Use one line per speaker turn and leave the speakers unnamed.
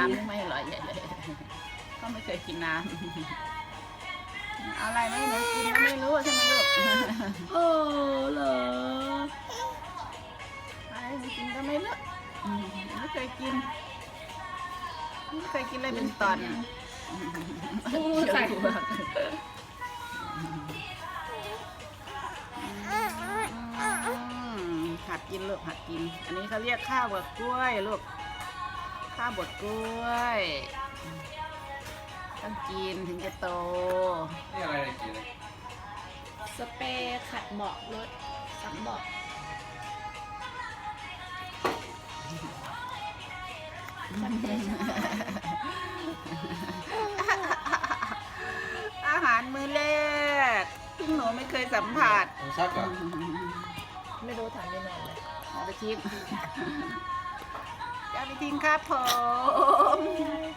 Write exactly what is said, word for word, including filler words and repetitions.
ำนี่ไม่อร่อยใหญ่เลยก็ไม่เคยกินน้ำเอาอะไรไม่หนูกินก็ไม่รู้ใช่ไหมลูก
เออเหรอ
อะไรหนูกินก็ไม่รู้ไม่เคยกินไม่เคยกินเลยเป็นตอน
อู้ใส่
หัดกินลูกหัดกินอันนี้เขาเรียกข้าวบดกล้วยลูกข้าวบดกล้วยต้องกินถึงจะโต
นี่อะไรเนี่ยกินเลย
สเปรย์ขัดเบาะรถซับเบาะ
อาหารมื้อแรกที่หนูไม่เคยสัมผัส
ต้องซักก่อน
ไม่รู้ถามยังไงเลย
เอาไปทิ้งจะเอาไปทิ้งครับผม